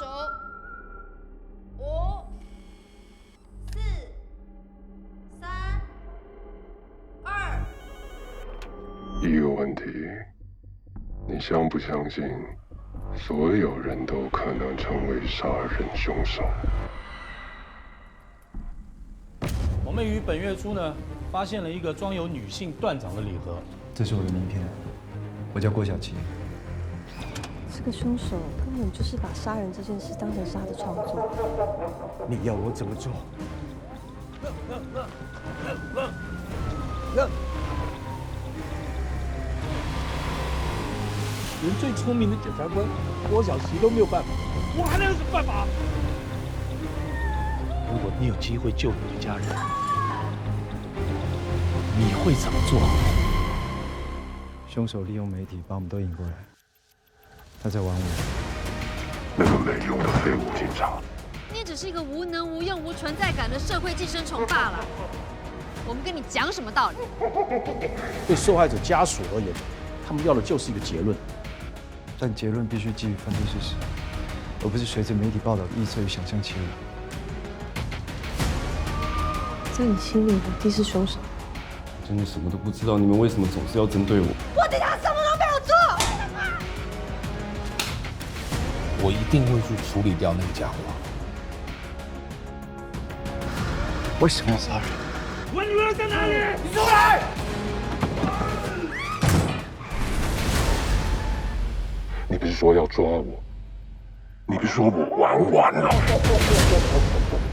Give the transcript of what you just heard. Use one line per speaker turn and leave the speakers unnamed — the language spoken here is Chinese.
手。5、4、3、2。
一个问题，你相不相信，所有人都可能成为杀人凶手？
我们于本月初呢，发现了一个装有女性断掌的礼盒。
这是我的名片，我叫郭晓琪。
这个凶手根本就是把杀人这件事当成是他的创作。
你要我怎么做？
连最聪明的检察官郭晓琪都没有办法，我还能有什么办法？如果你有机会救你的家人，你会怎么做？
凶手利用媒体把我们都引过来，他在玩我。
那个没用的废物警察，
你只是一个无能无用、无存在感的社会寄生虫罢了。我们跟你讲什么道理？
对受害者家属而言，他们要的就是一个结论。
但结论必须基于犯罪事实，而不是随着媒体报道的臆测与想象起舞。
在你心里，我弟是凶手。
真的什么都不知道，你们为什么总是要针对我？
我弟他什么都没有做。
我一定会去处理掉那个家伙。
为什么要杀人？
我女儿在哪里？你出来！
你不是说要抓我？你不是说我玩完了？